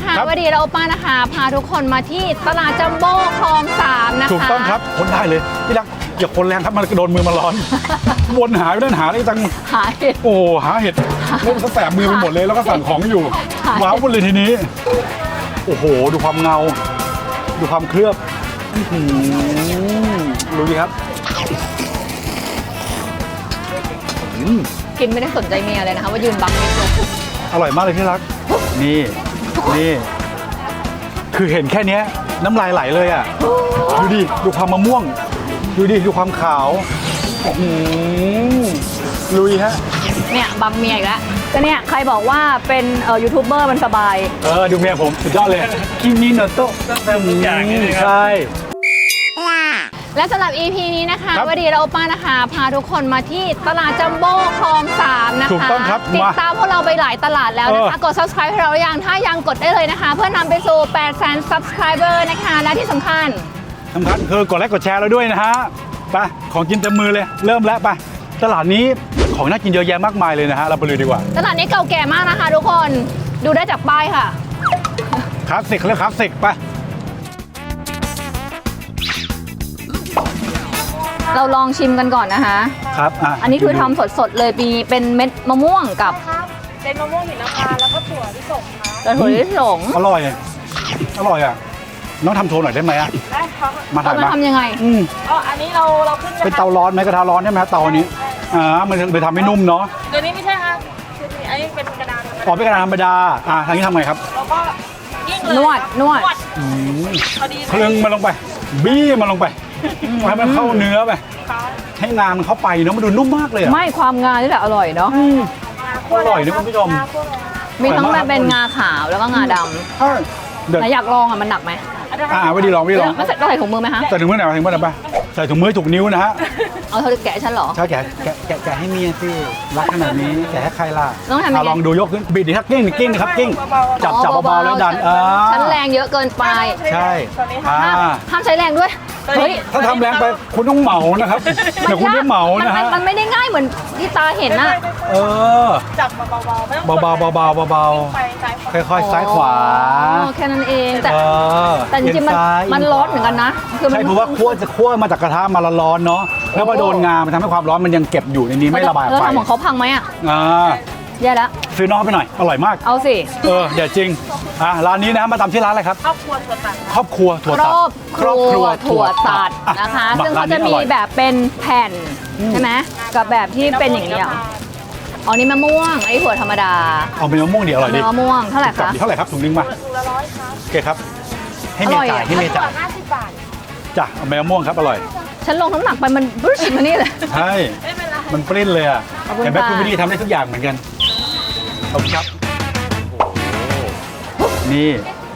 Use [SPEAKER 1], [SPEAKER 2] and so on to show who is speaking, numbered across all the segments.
[SPEAKER 1] นะคะวันนี้เราป้านะคะพาทุกคนมาที่ตลาดจัมโบ้คลอง3นะคะ
[SPEAKER 2] ถูกต้องครับคนได้เลยพี่รักอย่าคนแรงครับมันโดนมือมันร้อนวนหาไม่ได้หาอะไรจัง
[SPEAKER 1] หาเห็ด
[SPEAKER 2] โอ้หาเห็ดเล่นแสบมือไปหมดเลยแล้วก็สั่งของอยู่ว้าวเลยทีนี้โอ้โหดูความเงาดูความเคลือบรู้ดีครับ
[SPEAKER 1] กินไม่ได้สนใจเมียเลยนะคะว่ายืนบังนิดนึง
[SPEAKER 2] อร่อยมากเลยที่รักนี่คือเห็นแค่นี้น้ำลายไหลเลยอ่ะดูดิดูความมะม่วงดูดิดูความขาวลุยฮะ
[SPEAKER 1] เนี่ยบังเมียอีกแล้วก็เนี่ยใครบอกว่าเป็นยูทูบเบอร์มันสบาย
[SPEAKER 2] ดูเมียผมสุดยอดเลยคิมิโนโตะใช่
[SPEAKER 1] และสำหรับ EP นี้นะคะวันนี้เราป้านะคะพาทุกคนมาที่ตลาดจัมโบ้คลอง3นะคะ
[SPEAKER 2] ถูกต้องครับ
[SPEAKER 1] ติดตามพวกเราไปหลายตลาดแล้วนะคะกด subscribe ให้เราหรือยังถ้ายังกดได้เลยนะคะเพื่อนำไปสู่ 800,000 subscriber นะคะและที่สำคัญ
[SPEAKER 2] คือกดไลค์กดแชร์เราด้วยนะฮะไปของกินเต็มมือเลยเริ่มแล้วไปตลาดนี้ของน่ากินเยอะแยะมากมายเลยนะฮะเราไปเลยดีกว่า
[SPEAKER 1] ตลาดนี้เก่าแก่มากนะคะทุกคนดูได้จากป้ายค่ะ
[SPEAKER 2] คลาสสิกเลยคลาสสิกไป
[SPEAKER 1] เราลองชิมกันก่อนนะคะ
[SPEAKER 2] ครับ
[SPEAKER 1] อันนี้คือทำสดๆเลยมีเป็นเม็ดมะม่วงกับ
[SPEAKER 3] เป็นมะม่วงหินน้ำปลาแล้วก็ถั่วลิสงค่ะ
[SPEAKER 1] ถั่วลิสง
[SPEAKER 2] อร่อยอ่ะน้องทำโชว์หน่อยได้ไหม
[SPEAKER 3] ได้ครับ
[SPEAKER 2] มาถ่ายมา
[SPEAKER 1] ทำยังไง
[SPEAKER 3] อันนี้เราขึ้น
[SPEAKER 2] เป็นเตาร้อนไหมกระทะร้อนใช่ไหมเตาอันนี้มันไปทำให้นุ่มเนาะ
[SPEAKER 3] เดี๋ยวนี้ไม่ใช่ครับอันนี้เป็นกระดาษ
[SPEAKER 2] เป็นกระดาษธรรมดาทางนี้ทำไงครับ
[SPEAKER 3] แล้วก็ยิ่งเลย
[SPEAKER 1] นวด
[SPEAKER 2] เครื่องมันลงไปบี้มันลงไปให้มันเข้าเนื้อไปให้งามันเข้าไปเนาะมันดูนุ่มมากเลย
[SPEAKER 1] ไม่ความงานี่แหละอร่อยเนาะ
[SPEAKER 2] อร่อยนะคุณผู้ชม
[SPEAKER 1] มีทั้งแบบเป็นงาขาวแล้วก็งาดำแต่อยากลองมันหนักไหม
[SPEAKER 2] ไม่ดีลอง
[SPEAKER 1] ไม่ใส่ถุงมือไหมคะ
[SPEAKER 2] ใส่ถุงมือไหนถุงมือไหนป่ะใส่ถุงมือถูกนิ้วนะฮะ
[SPEAKER 1] เอาเธอแกะฉันเหรอ
[SPEAKER 2] ใช่แกะให้เมียสิรักขนาดนี้แกะให้ใครล่ะลองดูยกขึ้นบิดดิครับกิ้งนะครับกิ้งจับเบาๆแล้วดัน
[SPEAKER 1] ฉันแรงเยอะเกินไป
[SPEAKER 2] ใช่
[SPEAKER 1] ห้ามใช้แรงด้วย
[SPEAKER 2] เฮ้ยถ้าทำแรงไปคุณต้องเหมานะครับเดี๋ยวคุณได้เหมานะฮะ
[SPEAKER 1] มันไม่ได้ง่ายเหมือนที่ตาเห็นนะ
[SPEAKER 3] จับเบา
[SPEAKER 2] ๆค่อยๆซ้ายขวา
[SPEAKER 1] แค่นั้นเองแต่จริงๆมันร้อนเหมือนกันนะ
[SPEAKER 2] ใช่เพราะว่าคั่วมาจากกระทะมาร้อนเนาะแล้วพอโดนงามันทำให้ความร้อนมันยังเก็บอยู่ในนี้ไม่ระบายออกไป
[SPEAKER 1] ทำของเขาพังไหมแย่แล้ว
[SPEAKER 2] ซื้อน้องไปหน่อยอร่อยมาก
[SPEAKER 1] เอาสิ
[SPEAKER 2] เดี๋ยวจริงร้านนี้นะมาตามชื่อร้านอะไรครับ
[SPEAKER 3] ครอบครัวถั่วตัด
[SPEAKER 1] นะคะซึ่งเขาจะมีแบบเป็นแผ่นใช่ไหมกับแบบที่เป็นอย่างนี้อ๋อนี่มะม่วงไอ้ถั่วธรรมดา
[SPEAKER 2] เป็นมะม่วงดีอร่อยดี
[SPEAKER 1] มะม่วงเท่าไหร่คะ
[SPEAKER 2] ถุงนึงมา
[SPEAKER 3] ถุงละ100ครับ
[SPEAKER 2] โอเคครับให้เมียจ่าย
[SPEAKER 3] 50 บาท
[SPEAKER 2] จ้ะเอามะม่วงครับอร่อย
[SPEAKER 1] ฉันลงน้ำหนักไปมันบรึ้ชมานี่เลย
[SPEAKER 2] ใช่มันปริ้นเลยอ่ะเห็นไหมคุณวิธีทำได้ทุกอย่างเหมือนกันขอบคุณครับนี่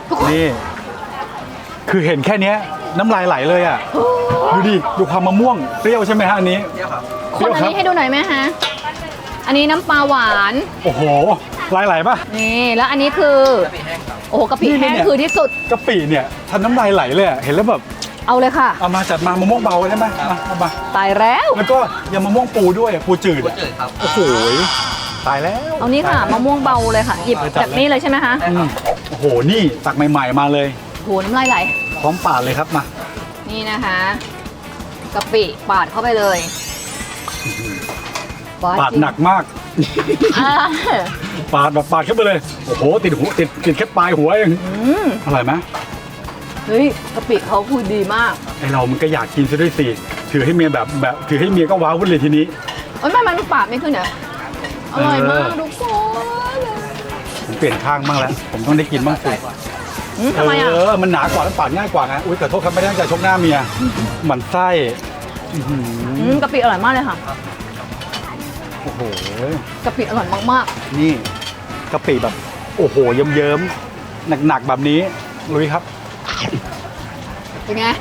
[SPEAKER 2] คือเห็นแค่นี้น้ำลายไหลเลยอ่ะดูดิดูความมะม่วงเปรี้ยวใช่ไหมฮะอันนี้
[SPEAKER 1] คนอันนี้ให้ดูหน่อยไหมฮะอันนี้น้ำปลาหวาน
[SPEAKER 2] โอ้โหลายไหลป่ะ
[SPEAKER 1] นี่แล้วอันนี้คือโอ้โหกะปิแห้งคือที่สุด
[SPEAKER 2] กะปิเนี่ยทันน้ำลายไหลเลยเห็นแล้วแบบ
[SPEAKER 1] เอาเลยค่ะ
[SPEAKER 2] เอามาจัดมามะม่วงเบาได้ไหมมา
[SPEAKER 1] ตายแล้ว
[SPEAKER 2] ก็ยำมะม่วงปูด้วยปูจืด
[SPEAKER 4] ครับ
[SPEAKER 2] โอ้โหตายแล้ว
[SPEAKER 1] เอานี่ค่ะมะม่วงเบาเลยค่ะหยิบแบบนี้เลยใช่ไหมคะ
[SPEAKER 2] โอ้โหนี่ตักใหม่ๆมาเลย
[SPEAKER 1] โหน้ำลายไหล
[SPEAKER 2] พร้อมปาดเลยครับมา
[SPEAKER 1] นี่นะคะกะปิปาดเข้าไปเลย
[SPEAKER 2] ปาดหนักมากปาดเข้าไปเลยโอ้โหติดแค่ปลายหัวเองอร่อยไหม
[SPEAKER 1] เฮ้ยกะปิเขาคือดีมาก
[SPEAKER 2] ไอเรามันก็อยากกินซะด้วยสิถือให้เมียแบบถือให้เมียก็ว้าววุ่นเลยทีนี้
[SPEAKER 1] มันปาดไม่ขึ้นเหรออร่อยมากทุกคน
[SPEAKER 2] ผมเปลี่ยนข้างบ้างแล้วผมต้องได้กินบ้างสิ
[SPEAKER 1] ทำไม
[SPEAKER 2] มันหนากว่าแล้วปาดง่ายกว่าไงอุ้ยแต่โทษครับไม่ได้ตั้งใจชกหน้าเมียหมั่นไส้
[SPEAKER 1] กะปิอร่อยมากเลยค่ะ
[SPEAKER 2] โอ้โห
[SPEAKER 1] กะปิอร่อยมาก
[SPEAKER 2] ๆนี่กะปิแบบโอ้โหเยิ้มๆหนักๆแบบนี้ลุยครับ
[SPEAKER 1] เป็นไง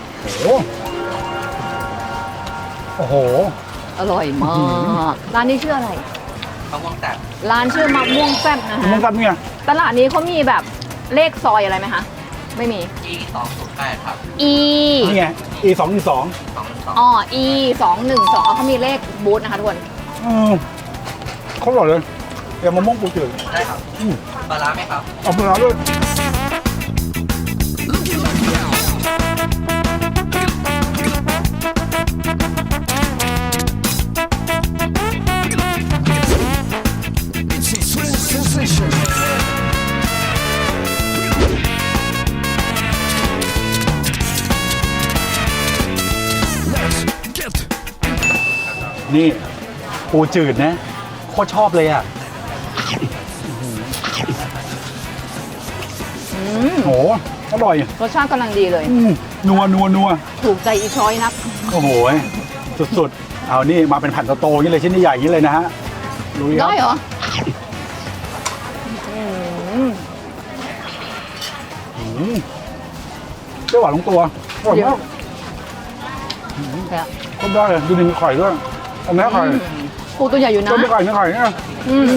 [SPEAKER 2] โอ้โห
[SPEAKER 1] อร่อยมากร้านนี้ชื่ออะไร
[SPEAKER 4] มะม่วงแซ่บ
[SPEAKER 1] ร้านชื่อมะม่วงแซ่บนะคะ
[SPEAKER 2] มะม่วงแซ่บเนี่ย
[SPEAKER 1] ตลาดนี้เขามีแบบเลขซอยอะไรไหมคะไม่มี
[SPEAKER 4] E208 ครับ
[SPEAKER 2] นี่ไง E212
[SPEAKER 1] อ๋อ E212เขามีเลขบูธนะคะทุกคน
[SPEAKER 2] เขาอร่อยเลยยำมะม่วงปูจืด
[SPEAKER 4] ได้ครับปลาร้าไหมครับ
[SPEAKER 2] เอาปลาร้าด้วยนี่ปูจืดนะโคตรชอบเลยอ่ะ โหอร่อย
[SPEAKER 1] รสชาติกำลังดีเลย
[SPEAKER 2] นัว
[SPEAKER 1] ถูกใจอีช้อยนัก
[SPEAKER 2] โอ้โหสุดๆเอานี่มาเป็นแผ่นโตๆอย่างนี้เลยชิ้นใหญ่ๆอย่างนี้เลยนะฮะลุยครับ
[SPEAKER 1] ได้เหรอ
[SPEAKER 2] เปรี้ยวหวานลงตัวอร่อยมาก
[SPEAKER 1] แต่
[SPEAKER 2] ก็ได้เลยดูดิมีไข่ด้วยอันนี้ไข่
[SPEAKER 1] ปูตัวใหญ่อยู่นะ
[SPEAKER 2] ก็มีไข่เนี่ย
[SPEAKER 1] อืม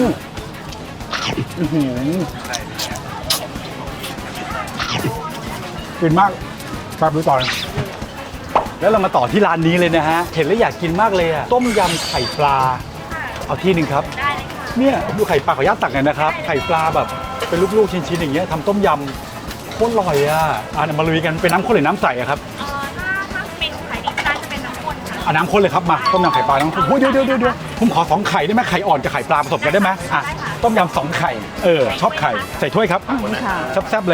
[SPEAKER 2] กินมากแป๊บดูต่อนะแล้วเรามาต่อที่ร้านนี้เลยนะฮะเห็นแล้วอยากกินมากเลยอะต้มยำไข่ปลาเอาที่หนึ่งครับเนี่ยดูไข่ปลาขออนุญาตตักหน่อยนะครับไข่ปลาแบบเป็นลูกๆชิ้นๆอย่างเงี้ยทำต้มยำโคตรอร่อยอ่ะมาลุยกันเป็นน้ำข้นหรือน้ำใสอะครับ
[SPEAKER 3] ถ้าเป็นไข่ดิบได้จะเป็นน้ำข้นค่ะ
[SPEAKER 2] เอาน้ำข้นเลยครับมาต้มยำไข่ปลาน้ำข้นเดี๋ยวผมขอ2 ไข่ได้ไหมไข่อ่อนกับไข่ปลาผสมกันได้ไหมอ่ะต้มยำ2 ไข่ชอบไข่ใส่ถ้วยครับ
[SPEAKER 1] ค่ะ
[SPEAKER 2] แซ่บๆเลย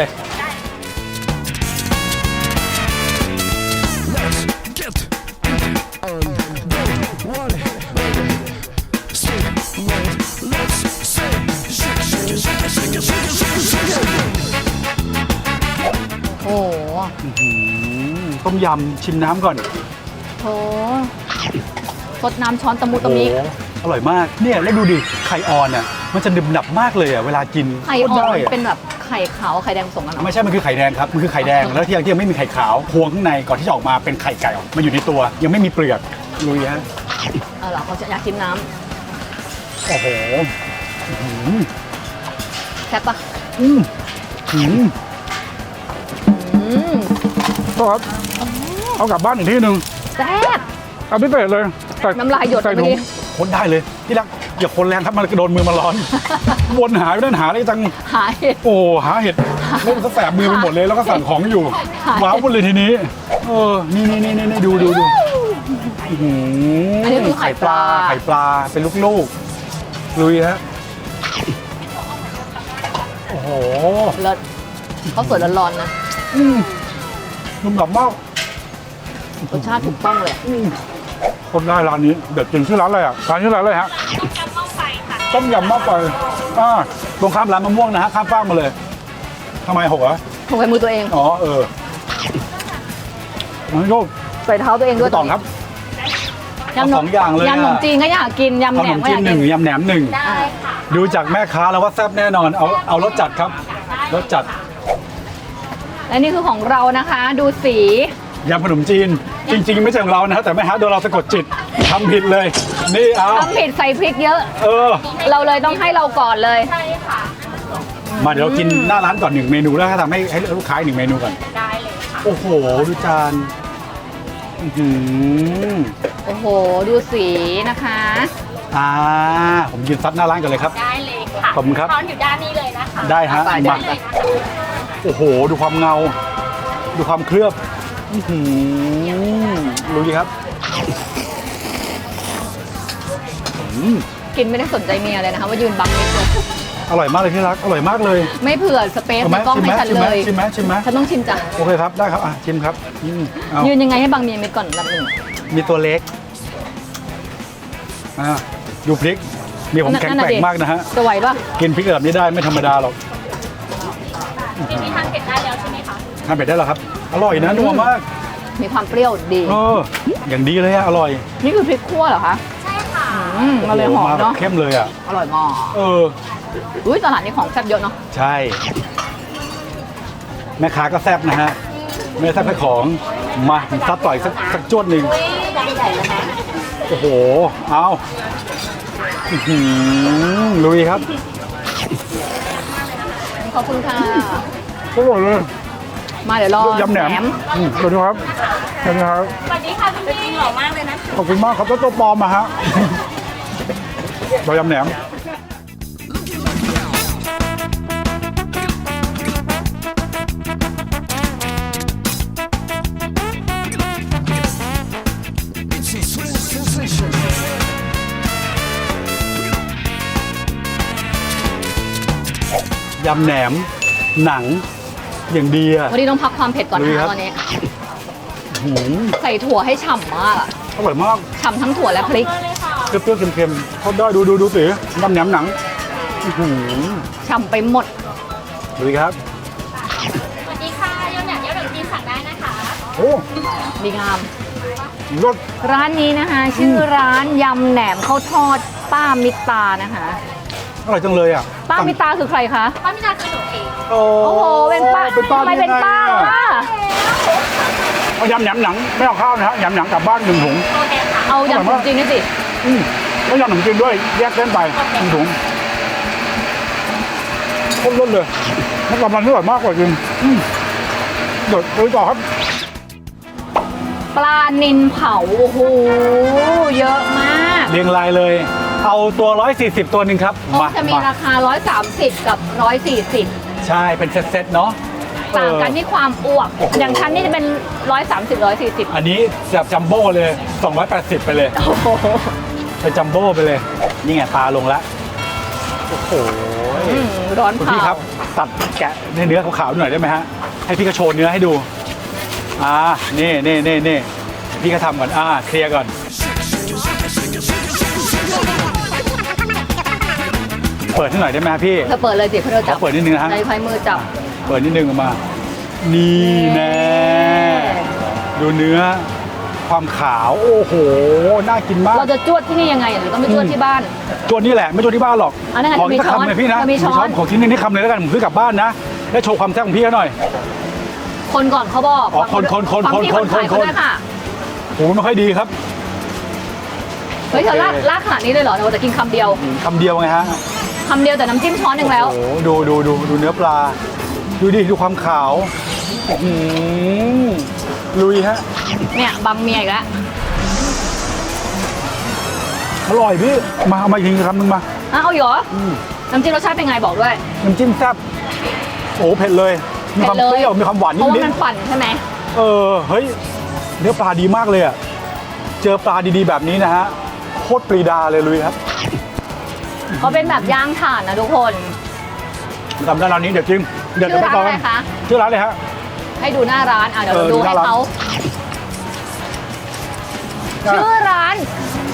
[SPEAKER 1] โอ้โห
[SPEAKER 2] ต้มยำชิมน้ำก่อน
[SPEAKER 1] โหสดน้ำช้อนตะมุตะมิ
[SPEAKER 2] โอ้โหอร่อยมากเนี่ยแล้วดูดิไข่อ่อนอ่ะมันจะดึบหนับมากเลยอ่ะเวลากิน
[SPEAKER 1] ไข่อ่อน
[SPEAKER 2] โคตรด้
[SPEAKER 1] เป็นแบบไข่ขาวไข่แดงผสมกันเหรอ
[SPEAKER 2] ไม่ใช่มันคือไข่แดงครับมันคือไข่แดงแล้วที่ยังไม่มีไข่ขาวพวงข้างในก่อนที่จะออกมาเป็นไข่ไก่ออกมันอยู่ในตัวยังไม่มีเปลือกลุยฮะ
[SPEAKER 1] เหรอเขาจะอยากกินน้
[SPEAKER 2] โอ้โห
[SPEAKER 1] ำแซ่บปะ
[SPEAKER 2] อืม
[SPEAKER 1] อืม
[SPEAKER 2] ก็ครับเอากลับบ้านอีกที่หนึ่ง
[SPEAKER 1] แซ่บ
[SPEAKER 2] เอาพิเศษเลยใส่
[SPEAKER 1] น้ำลายหยด
[SPEAKER 2] ใส่
[SPEAKER 1] เมื่อกี้
[SPEAKER 2] คนได้เลยที่รักอย่าคนแรงครับมันโดนมือมันร้อน วนหาไปนั่นหาอะไรจัง
[SPEAKER 1] หาเห็ด
[SPEAKER 2] โอ้หาเห็ดเล่นซะแสบมือไปหมดเลยแล้วก็สั่งของอยู่
[SPEAKER 1] หาเห็ด
[SPEAKER 2] ว้าวหมดเลยทีนี้นี่ดูอื้อหื
[SPEAKER 1] อันนี้คือไข่ปลา
[SPEAKER 2] ไข่ปลาเป็นลูกๆลุยฮะโอ้โห
[SPEAKER 1] เลิศเขาสวยร้อนๆนะ
[SPEAKER 2] นุ่มหนับมาก
[SPEAKER 1] รสชาติถูกต้องเลย
[SPEAKER 2] คนได้ร้านนี้เด็ดจริงชื่อร้านอะไรอ่ะร้านชื่อร้านอะไรฮะ
[SPEAKER 3] ยำหม้อไฟค่ะ
[SPEAKER 2] ต้มยำหม้อไฟตรงข้ามร้านมะม่วงนะฮะข้ามฟากมาเลยทำไมหกอ่ะ
[SPEAKER 1] ถูกไปมือตัวเอง
[SPEAKER 2] อ๋อมันก็
[SPEAKER 1] ใส่เท้าตัวเองด้วย
[SPEAKER 2] ต่อครับ
[SPEAKER 1] ยำ
[SPEAKER 2] เอา2 อย่างเลยอะ
[SPEAKER 1] ยำขนมจีนก็อยากกินยำ
[SPEAKER 2] ข
[SPEAKER 1] แหน
[SPEAKER 2] น
[SPEAKER 1] ม
[SPEAKER 2] ม
[SPEAKER 1] ก็
[SPEAKER 2] จี
[SPEAKER 1] อน ยาก
[SPEAKER 2] ห
[SPEAKER 1] กิ
[SPEAKER 2] นึ่
[SPEAKER 1] น
[SPEAKER 2] งยำแหนม1
[SPEAKER 3] ได้ค่ะ
[SPEAKER 2] ดูจากแม่ค้าแล้วว่าแซ่บแน่นอนเอารสจัดครับรสจัด
[SPEAKER 1] และนี่คือของเรานะคะ ดูสี
[SPEAKER 2] ยำขนมจีน จริง ๆ ไม่ใช่ของเรานะแต่แม่ค้าโดนเราสะกดจิตทำผิดเลย นี่เอา
[SPEAKER 1] ทำผิดใส่พริกเยอะ เราเลยต้องให้เราก่อนเลย
[SPEAKER 3] ใช่ค่ะ
[SPEAKER 2] มาเดี๋ยวเรากินหน้าร้านก่อน1 เมนูแล้วทำให้ลูกค้า1 เมนูก่อน
[SPEAKER 3] ได้เลยค่ะ
[SPEAKER 2] โอ้โหดูจานอื้อหือ
[SPEAKER 1] โอ้โห ดูสีนะคะ
[SPEAKER 2] ผมยืนซัดหน้าร้านกันเลยครับ
[SPEAKER 3] ได้เลยค่ะ
[SPEAKER 2] ขอบคุณครับ
[SPEAKER 3] นอนอยู่ด้านนี้เลยนะคะ
[SPEAKER 2] ได้ฮะ
[SPEAKER 1] ไป
[SPEAKER 2] มา
[SPEAKER 1] ไป
[SPEAKER 2] โอ้โห ดูความเงา ดูความเคลือบอื้อหือรู้ดีครับ
[SPEAKER 1] กินไม่ได้สนใจเมียเลยนะคะว่ายืนบังนิดเลย
[SPEAKER 2] อร่อยมากเลยที่รัก อร่อยมากเลย
[SPEAKER 1] ไม่เผื่อสเปซ
[SPEAKER 2] เอาไห
[SPEAKER 1] ใน
[SPEAKER 2] ม
[SPEAKER 1] กล้องให้ฉันเลย
[SPEAKER 2] ชิมไหมชิมไหม
[SPEAKER 1] ฉันต้องชิมจ้ะ
[SPEAKER 2] โอเคครับ ได้ครับ ชิมครับเอา
[SPEAKER 1] ยืนยังไงให้บังเมียมิดก่อนอันดับหนึ่ง
[SPEAKER 2] มีตัวเล็กดูพริกนี่ผมแข็งแกร่งมากนะฮะ
[SPEAKER 1] จะไหวปะ
[SPEAKER 2] กินพริกแบบนี้ได้ไม่ธรรมดาหรอก
[SPEAKER 3] ทีนี้ทานเผ็ดได้แล้วใช่ไหมคะ
[SPEAKER 2] ทานเป็ดได้แล้วครับ อร่อยนะนัวมาก
[SPEAKER 1] มีความเปรี้ยวดี
[SPEAKER 2] อย่างดีเลยอะอร่อย
[SPEAKER 1] นี่คือพริกคั่วเหรอคะ
[SPEAKER 3] ใช่ค่ะ
[SPEAKER 1] มาเลยหอม
[SPEAKER 2] แบบ
[SPEAKER 1] เนาะ
[SPEAKER 2] เข้มเลยอะ
[SPEAKER 1] อร่อยมาก อุ้ยตลาดนี้ของแซ่บเยอะเนาะ
[SPEAKER 2] ใช่ แม่ค้าก็แซ่บนะฮะไม่ได้แซ่บแค่ของมาซัดต่อยสักจวดหนึ่ง
[SPEAKER 3] ใหญ่เลยนะ
[SPEAKER 2] โอ้โห เอาอื้อหือลุยครับ
[SPEAKER 1] ขอบคุณค่ะ
[SPEAKER 2] อร่อยเลย
[SPEAKER 1] มาเดี๋ยวรอย
[SPEAKER 2] ำแหนมสวัสดีครับสวัสดีครับ
[SPEAKER 3] สวัสดีค่ะพี่พี่หล่อมากเลยนะ
[SPEAKER 2] ขอบคุณมากครับตัวปลอมมาฮะ เรายำแหนมยำแหนม หนัง อย่างดีอะ
[SPEAKER 1] วันนี้ต้องพักความเผ็ดก่อน
[SPEAKER 2] ลุย
[SPEAKER 1] นะ
[SPEAKER 2] ครับ
[SPEAKER 1] ตอนนี้
[SPEAKER 2] หืม
[SPEAKER 1] ใส่ถั่วให้ฉ่ำมากอะ
[SPEAKER 2] อร่อยมาก
[SPEAKER 1] ฉ่ำทั้งถั่วและพริก
[SPEAKER 3] เลยค่ะ
[SPEAKER 2] เปรี้ยวๆเค็มๆทอดได้ดูสิน้ำแหนมหนังอื้อหือ
[SPEAKER 1] ฉ่ำไปหมด
[SPEAKER 2] ดูครับ
[SPEAKER 5] สวัสดีค่ะยำแหนมยำขนมจีนสั่งได้นะคะ
[SPEAKER 2] โอ้
[SPEAKER 1] ดีงาม
[SPEAKER 2] รส
[SPEAKER 1] ร้านนี้นะคะ ชื่อร้านยำแหนมข้าวทอดป้ามิตานะคะ
[SPEAKER 2] อร่อยจังเลยอ่ะ
[SPEAKER 1] ป้ามิตาคือใครคะ
[SPEAKER 5] ป้ามินาคือหนูเอง
[SPEAKER 2] โอ้
[SPEAKER 1] โอ้โห เป็นป้า
[SPEAKER 2] เป็นป้า
[SPEAKER 1] ทำไมเป็นป้า
[SPEAKER 2] ได้ไงอะ
[SPEAKER 1] ล่ะ
[SPEAKER 2] เอายำแหนมหนังไม่เอาข้าวนะฮะยำหนังกลับบ้าน1 ถุง
[SPEAKER 5] โอเคค่ะ
[SPEAKER 1] เอาอย่างจริงๆนี่สิ
[SPEAKER 2] แล้วยำขนมจีนด้วยแยกเส้นไป1 ถุงข้นล้นเลยน้ำตาลมันอร่อยมากกว่าจริงเดี๋ยวไปต่อครับ
[SPEAKER 1] ปลานิลเผา โอ้โห เยอะมาก
[SPEAKER 2] เรียงรายเลย เอาตัว140ตัวหนึ่งครับ
[SPEAKER 1] โอ้จะมีราคา 130 กับ 140
[SPEAKER 2] ใช่เป็นเซตๆเนาะ
[SPEAKER 1] ต่างกัน
[SPEAKER 2] เออ
[SPEAKER 1] ที่ความอ้วก
[SPEAKER 2] โอ้โห
[SPEAKER 1] อย่างฉันนี่จะเป็น 130 140
[SPEAKER 2] อันนี้แบบจัมโบ้เลย280ไปเลย
[SPEAKER 1] โอ้โห
[SPEAKER 2] ไปจัมโบ้ไปเลย นี่ไงปลาลงแล้วโอ้โห
[SPEAKER 1] ร้อน
[SPEAKER 2] คุณ
[SPEAKER 1] เผา
[SPEAKER 2] พี่ครับตัดแกะเนื้อขาวๆหน่อยได้ไหมฮะให้พี่ก็โชว์เนื้อให้ดูนี่พี่ก็ทำก่อนเคลียร์ก่อนเปิดให้หน่อยได้ไหมฮะพี่
[SPEAKER 1] เธอเปิดเลยสิเพื่อ
[SPEAKER 2] ข
[SPEAKER 1] จั
[SPEAKER 2] อบ เปิดนิดนึงนะฮะ
[SPEAKER 1] ในพายมือจับ
[SPEAKER 2] เปิดนิดนึงออกมา นี่แน่ดูเนื้อความขาวโอ้โหน่ากินมาก
[SPEAKER 1] เราจะจวดที่นี่ยังไงหรือต้องไปจวดที่บ้าน
[SPEAKER 2] จวนนี่แหละไม่จวนที่บ้านหรอก
[SPEAKER 1] อันนั้น
[SPEAKER 2] ขอ
[SPEAKER 1] มี
[SPEAKER 2] สัก
[SPEAKER 1] ช้อน
[SPEAKER 2] คำเลยพี่นะ
[SPEAKER 1] มีช้อน
[SPEAKER 2] ของที่นี่คำเลยแล้วกันผมซื้อกลับบ้านนะแล้วโชว์ความแซ่บของพี่เขาหน่อย
[SPEAKER 1] คนก่อนเขาบอก
[SPEAKER 2] อ๋อคน
[SPEAKER 1] ฟังที่คนขายเขาด้วยค่ะ
[SPEAKER 2] โอ้ไม่ค่อยดีครับ
[SPEAKER 1] เฮ้ยเธอ
[SPEAKER 2] โอเค
[SPEAKER 1] ลากขนาดนี้เลยเหรอเราจะกินคำเดียว
[SPEAKER 2] คำเดียวไงฮะ
[SPEAKER 1] คำเดียวแต่น้ำจิ้มช้อนหนึ่งแล้ว
[SPEAKER 2] โอ้โหดูเนื้อปลา ดูดิดูความขาวอื้อหือลุยฮะ
[SPEAKER 1] เนี่ยบังเมียอีกแล้ว
[SPEAKER 2] อร่อยพี่มาเอามาอีกทีคำหนึงมา
[SPEAKER 1] เอาอีกเหรอน้ำจิ้มรสชาติเป็นไงบอกด้วย
[SPEAKER 2] น้ำจิ้มแซ่บโอ้เผ็ดเลยมีความ
[SPEAKER 1] ผ็ด
[SPEAKER 2] เปรี้ยวมีความหวาน
[SPEAKER 1] เพราะ
[SPEAKER 2] นิ
[SPEAKER 1] ว่า
[SPEAKER 2] ด
[SPEAKER 1] มันปั่นใช่ไหม
[SPEAKER 2] ๆเฮ้ยเนื้อปลาดีมากเลยอ่ะเจอปลาดีๆแบบนี้นะฮะโคตรปรีดาเลยลุยครับ
[SPEAKER 1] เขาเป็นแบบย่างถ่านนะทุกคน
[SPEAKER 2] ทำได้ร้านนี้เดี๋ยวจริงเดี๋ยว
[SPEAKER 1] ชื่อ
[SPEAKER 2] ไป
[SPEAKER 1] ร้าน
[SPEAKER 2] ต่อ
[SPEAKER 1] อะไร
[SPEAKER 2] กัน
[SPEAKER 1] คะ
[SPEAKER 2] ชื่อร้านเลยฮะ
[SPEAKER 1] ให้ดูหน้าร้านเดี๋ยวเรา
[SPEAKER 2] เออ
[SPEAKER 1] ดู
[SPEAKER 2] ดูห
[SPEAKER 1] ให้
[SPEAKER 2] น้าร้าน
[SPEAKER 1] เขาชื่อร้าน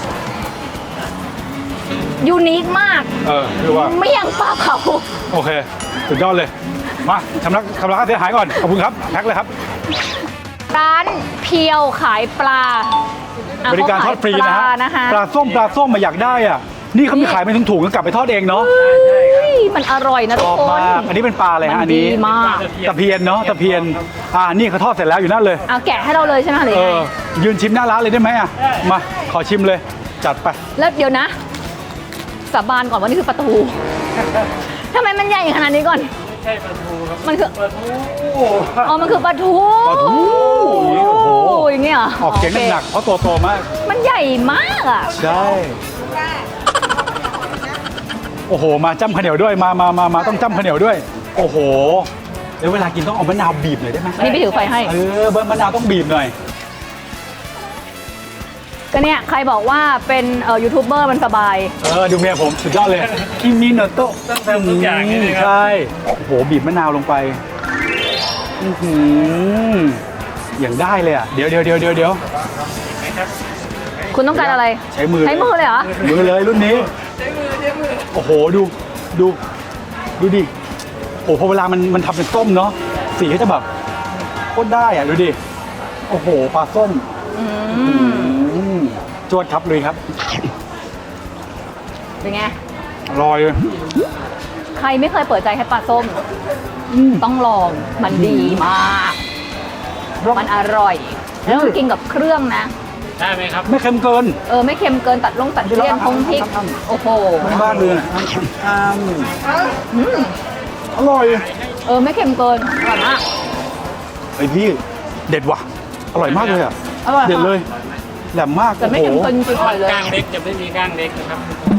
[SPEAKER 1] ยูนิคมาก
[SPEAKER 2] คือว่า
[SPEAKER 1] เมี่ยงปลาเผา
[SPEAKER 2] โอเคสุดยอดเลยมาชำระค่าเสียหายก่อนขอบคุณครับแพ็คเลยครับ
[SPEAKER 1] ร้านเพียวขายปลาอ่ะ
[SPEAKER 2] บริการทอดฟรีนะฮะ
[SPEAKER 1] เขาขายปลานะคะ
[SPEAKER 2] ปลาส้มมาอยากได้อ่ะนี่เขามีขายเป็นถุงๆก็กลับไปทอดเองเนาะ
[SPEAKER 1] เฮ้ยมันอร่อยนะ
[SPEAKER 2] ช
[SPEAKER 1] ทุก
[SPEAKER 2] อบ
[SPEAKER 1] คน
[SPEAKER 2] มากอันนี้เป็นปลาอะไร
[SPEAKER 1] มั
[SPEAKER 2] ฮะอัน
[SPEAKER 1] ดี
[SPEAKER 2] นี้
[SPEAKER 1] มาก
[SPEAKER 2] ตะเพียนเนาะตะเพียนนี่เขาทอดเสร็จแล้วอยู่นั่นเลย
[SPEAKER 1] เอาแกะให้เราเลยใช่ไหมหรือ
[SPEAKER 2] เอ
[SPEAKER 1] ยังไง
[SPEAKER 2] อยืนชิมหน้าร้านเลยได้ไหมอ่ะมาขอชิมเลยจัดไป
[SPEAKER 1] แล้วเดี๋ยวนะสาบานก่อนว่านี่คือปลาทูทำไมมันใหญ่ขนาดนี้ก่อน
[SPEAKER 3] ใช่ปลาทูครับ
[SPEAKER 1] มันคือ
[SPEAKER 3] ปลาทู
[SPEAKER 1] อ๋อมันคือปลาทู
[SPEAKER 2] ปลาทูอย่างนี้โอ้โห
[SPEAKER 1] อย่างเงี้ยเหร
[SPEAKER 2] ออกเสียงหนักๆเพราะตัวโตมาก
[SPEAKER 1] มันใหญ่มากอ่ะ
[SPEAKER 2] ใช่โอ้โหมาจ้ำข้าวเหนียวด้วยมาต้องจ้ำข้าวเหนียวด้วย โอ้โหเดี๋ยวเวลากินต้องเอามะนาวบีบหน่อยได้ไหม
[SPEAKER 1] นี่ไปถือไฟให้
[SPEAKER 2] มะนาวต้องบีบหน่อย
[SPEAKER 1] ก็เนี่ยใครบอกว่าเป็นยูทูบเบอร์มันสบาย
[SPEAKER 2] ดูเมียผมสุดยอดเลยคิมิโนโตะ
[SPEAKER 3] ต้องทำทุกอย่างนี่เลยครับ
[SPEAKER 2] ใช่โอ้โหบีบมะนาวลงไปอื้อหืออย่างได้เลยอ่ะเดี๋ยว
[SPEAKER 1] คุณต้องการอะไร
[SPEAKER 2] ใช้มือ
[SPEAKER 1] ใช้มือเลยเหรอ
[SPEAKER 2] มือเลยรุ่นนี้โอ้โหดูดิโอ้โหพอเวลามันทำเป็นส้มเนาะสีก็จะแบบโคตรได้อ่ะดูดิโอ้โหปลาส้มจวดครับเลยครับ
[SPEAKER 1] เป็นไง
[SPEAKER 2] อร่อย
[SPEAKER 1] ใครไม่เคยเปิดใจให้ปลาส้ม ต้องลอง มันดีมาก มันอร่อย แล้วต้องกินกับเครื่องนะ
[SPEAKER 3] ได้ไหมครับ
[SPEAKER 2] ไม่เค็มเกิน
[SPEAKER 1] ไม่เค็มเกินตัดเลี่ยนพงพริก โอ้โห
[SPEAKER 2] บ้านๆเลยนะอร่อย
[SPEAKER 1] ไม่เค็มเกินอร่อยมาก
[SPEAKER 2] ไอพี่เด็ดว่ะ อร่อยมากเลยอ่ะ
[SPEAKER 1] อร่อย
[SPEAKER 2] เด็ด
[SPEAKER 1] ค่ะ
[SPEAKER 2] เลยแหลมมาก
[SPEAKER 1] แต่ไม่เค็มเกินจริงๆอร่อยเลย
[SPEAKER 3] ก้างเล็กจะไม่มีก้างเล็กนะครับ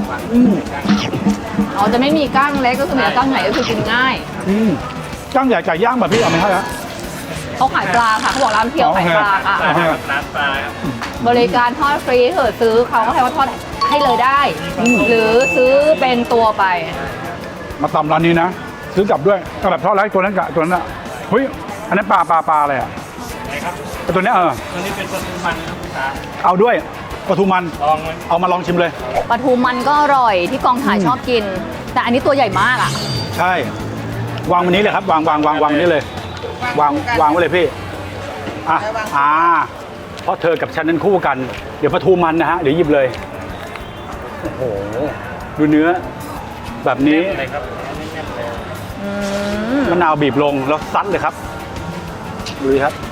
[SPEAKER 1] อ๋อจะไม่มีก้างเล็กก็คือมีแต่ก้างใหญ่ก็คือกินง่าย
[SPEAKER 2] จ้างใหญ่ไก่ย่างแบบพี่เอาไหมครับ
[SPEAKER 1] เขาขายปลาค่ะเขาบอกร้านเพียวขายปลาค่ะ
[SPEAKER 2] โอเค
[SPEAKER 3] ร้านปลาครับ
[SPEAKER 1] บริการทอดฟรีเถอะซื้อเขาก็ให้ว่าทอดให้เลยได้ หรือซื้อเป็นตัวไป
[SPEAKER 2] มาตำร้านนี้นะ ซื้อกลับด้วยเอาแบบทอดไร้ตัวนั้นกับตัวนั้นอ่ะเฮ้ยอันนั้นปลาอะไรอ่ะ
[SPEAKER 3] ไหนครับ
[SPEAKER 2] ไอ้ตัวเนี้ย
[SPEAKER 3] ตัวนี้เป็นปลาทูมันครับคุณตา
[SPEAKER 2] เอาด้วยปลาทูมัน
[SPEAKER 3] ลองไหม
[SPEAKER 2] เอามาลองชิมเลย
[SPEAKER 1] ปลาทูมันก็อร่อยที่กองถ่ายชอบกิน แต่อันนี้ตัวใหญ่มากอ่ะ
[SPEAKER 2] ใช่ วางวันนี้เลยครับ วางนี้เลย วางไว้เลยพี่ เพราะเธอกับฉันนั้นคู่กัน เดี๋ยวปลาทูมันนะฮะ เดี๋ยวหยิบเลย โอ้โห ดูเนื้อ แบบนี้
[SPEAKER 3] อะไรครับแน่นๆเลย
[SPEAKER 2] มะนาวบีบลงแล้วซัดเลยครับ ดูดิครับ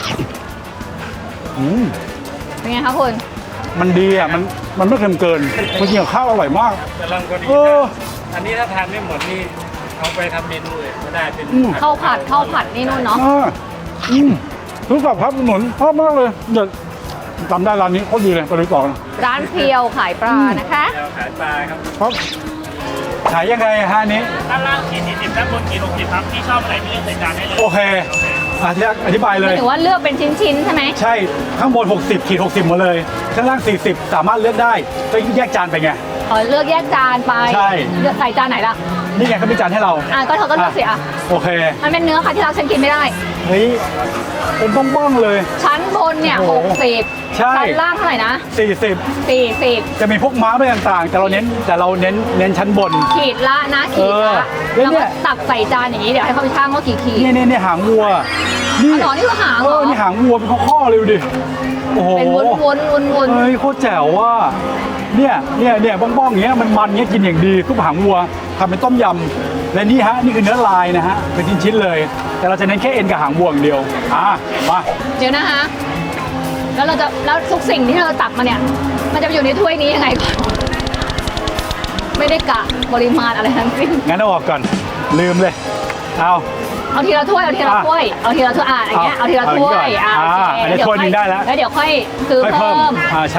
[SPEAKER 1] เป็นไงคะคุณ
[SPEAKER 2] มันดีอ่ะ มันไม่เค็มเกินมันกินกับข้าวอร่อยมาก
[SPEAKER 3] กำลังพอดี
[SPEAKER 2] เออ
[SPEAKER 3] อันนี้ถ้าทานไม่หมดนี่เอาไปทำเมนูอื่นก็ได้เป็น
[SPEAKER 1] ข้าวผัดนี่นู่นเนาะ
[SPEAKER 2] รู้กับครับหนุนชอบมากเลยเดี๋ยวจำได้ร้านนี้โคตรดีเลยไปดูต่อนะ
[SPEAKER 1] ร้านเพียวขายปลานะคะ
[SPEAKER 3] เดี๋ยวขายปลาครับ
[SPEAKER 2] ครับขายยังไงฮะอันนี้
[SPEAKER 3] ด้านล่างขีด40ด้านบนขีด60ครับที่ชอบอะไรที่เลือกใส่จานได้เลย
[SPEAKER 2] โอเคอธิบายเลย
[SPEAKER 1] ถือว่าเลือกเป็นชิ้นๆใช่ไหม
[SPEAKER 2] ใช่ข้างบน60ขีด60หมดเลยข้างล่าง40สามารถเลือกได้ก็แยกจานไปไง
[SPEAKER 1] เลือกแยกจานไป
[SPEAKER 2] ใช่
[SPEAKER 1] เลือกใส่จานไหนล่ะ
[SPEAKER 2] นี่ไงเขามีจานให้เรา
[SPEAKER 1] ก็เธอก็เลือกสิอ่ะ
[SPEAKER 2] โอเค
[SPEAKER 1] มันเป็นเนื้อค่ะที่เราฉันกินไม่ได้
[SPEAKER 2] เฮ้ยเป็นบ้องๆเลย
[SPEAKER 1] ชั้นบนเนี่ย
[SPEAKER 2] โอ้โห
[SPEAKER 1] 60
[SPEAKER 2] ใช่
[SPEAKER 1] ชั้นล่างเท่าไหร่นะ
[SPEAKER 2] 40
[SPEAKER 1] 40
[SPEAKER 2] จะมีพวกม้าอะไรต่างๆ แต่เราเน้นชั้นบน
[SPEAKER 1] ขีดละนะขีดละ
[SPEAKER 2] แล้วเนี่
[SPEAKER 1] แล้วก็
[SPEAKER 2] ย
[SPEAKER 1] ตักใส่จานอย่างนี้เดี๋ยวให้เขาไปชั่งว่ากี่ขีด
[SPEAKER 2] นี่หางวัวนี่
[SPEAKER 1] อ๋อนี่คือหางเหรอ
[SPEAKER 2] นี่หางวัวเป็นข้อๆเลยดูดิโอ้โห
[SPEAKER 1] เป็นวนๆ
[SPEAKER 2] เฮ้ยโคตรแจ๋วว่ะเนี่ยบ้องๆอย่างเงี้ยมันเงี้ยกินอย่างดีซุปหางวัวทำเป็นต้มยำและนี่ฮะนี่คือเนื้อลายนะฮะเป็นชิ้นๆเลย แต่เราจะเน้นแค่เอ็นกับหางวัวอย่างเดียวมา
[SPEAKER 1] เดี๋ยวนะคะแล้วทุกสิ่งที่เราตักมาเนี่ย มันจะไปอยู่ในถ้วยนี้ยังไงก่อนไม่ได้กะปริมาณอะไรทั้งสิ้น
[SPEAKER 2] งั้นเอาออกก่อนลืมเลยเอา
[SPEAKER 1] เอาทีละถ้วยอย่างเงี้ยเอาทีละถ้วย
[SPEAKER 2] เอา
[SPEAKER 1] โอเค
[SPEAKER 2] อันนี้ถ้วยหนึ่งได้แล้ว
[SPEAKER 1] แล้วเดี๋ยวค่อยซื้อ
[SPEAKER 2] ค่อย
[SPEAKER 1] เพิ่
[SPEAKER 2] เพิ่ม
[SPEAKER 1] ม
[SPEAKER 2] ใช่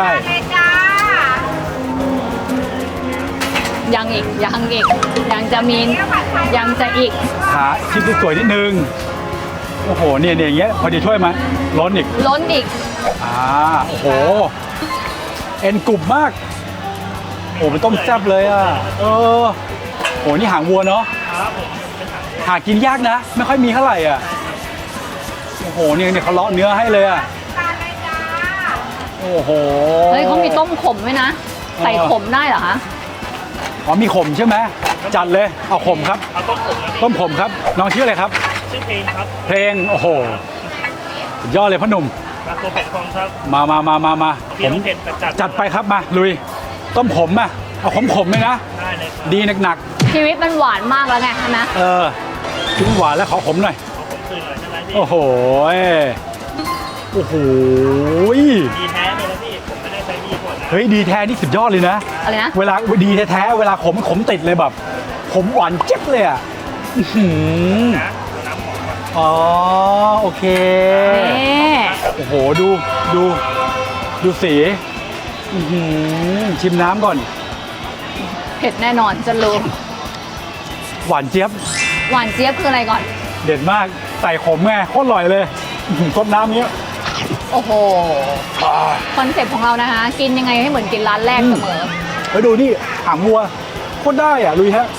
[SPEAKER 1] ยังจะมียังจะอีก
[SPEAKER 2] หาชิ้นสวยๆนิดนึงโอ้โหเนี่ยอย่างเงี้ยพอดีถ้วยมาล้นอีก
[SPEAKER 1] ล้นอีก
[SPEAKER 2] โอ้โหเอ็นกรุบมากโอ้เป็นต้มแซ่บเลยอ่ะโหนี่หางวัวเนาะหากินยากนะ ไม่ค่อยมีเท่าไหร่อ่ะโอ้โหเนี่ยเขาเลาะเนื้อให้เลยอ่ะโอ้โห
[SPEAKER 1] เฮ้ยเขามีต้มขมด้วยนะ ใส่ขมได้เหรอคะ
[SPEAKER 2] อ๋อมีขมใช่ไหมจัดเลยเอาขมครับ
[SPEAKER 3] เอาต้มผมนะ
[SPEAKER 2] ต้มขมครับน้องชื่ออะไรครับ
[SPEAKER 3] ชื่อเพลงครับ
[SPEAKER 2] เพลงโอ้โหสุดยอดเลยพ่อหนุ่ม
[SPEAKER 3] มาตัวเผ็ดฟองครับ
[SPEAKER 2] มา
[SPEAKER 3] เปรี้ยวเผ็ดจัด
[SPEAKER 2] จัดไปครับมาลุยต้มขมอ่ะเอาขมเลยนะ
[SPEAKER 3] ได้เลยครับ
[SPEAKER 2] ดีหนัก
[SPEAKER 1] ชีวิตมันหวานมากแล้วไงใช่ไหม
[SPEAKER 2] ชิ้นหวานแล้วขอขมหน่อย
[SPEAKER 3] เอาผมคืนหน่อยใช่ไหมพี่
[SPEAKER 2] โอ้โหโอ้โห
[SPEAKER 3] ดีแท้เลยนะพี่ผมไม่ได้ใช้ดีกว่านะ
[SPEAKER 2] เฮ้ยดีแท้นี่สุดยอดเลยนะ
[SPEAKER 1] อะไรนะ
[SPEAKER 2] เวลาดีแท้ๆเวลาขมติดเลยแบบขมหวานเจ็บเลยอ่ะอื้อหือ
[SPEAKER 3] นะเอาน้ำหอมก่อน
[SPEAKER 2] อ๋อโอเค
[SPEAKER 1] นี่
[SPEAKER 2] โอ้โหดูสีอื้อหือชิมน้ำก่อน
[SPEAKER 1] เผ็ดแน่นอนจะรู้
[SPEAKER 2] หวานเจี๊ยบ
[SPEAKER 1] หวานเจี๊ยบคืออะไรก่อน
[SPEAKER 2] เด็ดมากใส่ขมไงโคตรอร่อยเลยอื้อหือต้มน้ำเนี้ย
[SPEAKER 1] โอ้โห คอนเซ็ปต์ของเรานะคะ กินยังไงให้เหมือนกินร้านแรกเสมอ
[SPEAKER 2] แล้วดูนี่หางวัวโคตรได้อ่ะลุยฮะ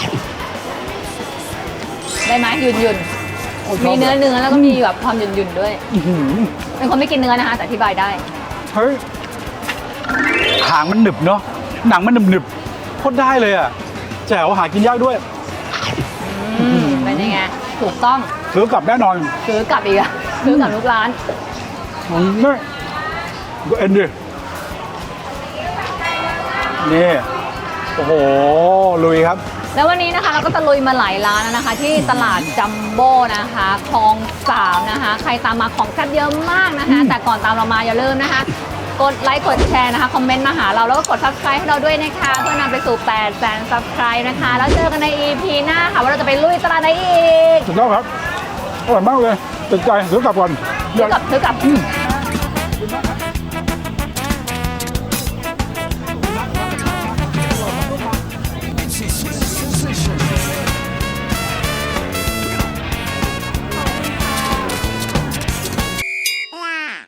[SPEAKER 1] ได้ไหมหยุ่น
[SPEAKER 2] โอ้ช
[SPEAKER 1] ๆ
[SPEAKER 2] อบ
[SPEAKER 1] มีเนื้อแล้วก็มีแบบความหยุ่นๆด้วย
[SPEAKER 2] อื้อหือ
[SPEAKER 1] เป็นคนไม่กินเนื้อนะคะ แต่อธิบายได้
[SPEAKER 2] เฮ้ยหางมันหนึบเนาะหนังมันหนึบโคตรได้เลยอ่ะแจ๋วหากินยากด้วย
[SPEAKER 1] เป็นยังไง ถูกต้อง
[SPEAKER 2] ซื้อกลับแน่นอน
[SPEAKER 1] ซื้อกลับอีกอะซื้อกลับทุกร้าน
[SPEAKER 2] นี่ดูเอ็นดินี่โอ้โหลุยครับ
[SPEAKER 1] แล้ววันนี้นะคะเราก็ตะลุยมาหลายร้านแล้วนะคะ ที่ตลาดจัมโบ้นะคะคลอง3นะคะ ใครตามมาของแซ่บเยอะมากนะคะ แต่ก่อนตามเรามาอย่าลืมนะคะ กดไลค์กดแชร์นะคะ คอมเมนต์มาหาเราแล้วก็กด subscribe ให้เราด้วยนะคะ เพื่อนำไปสู่ 800,000 subscribe นะคะ แล้วเจอกันใน EP หน้าค่ะว่าเราจะไปลุยตลาดไหนอีก
[SPEAKER 2] สุดยอดครับอร่อยมากเลยติดใจซื้อกลับก่อน
[SPEAKER 1] ซื้อกลับ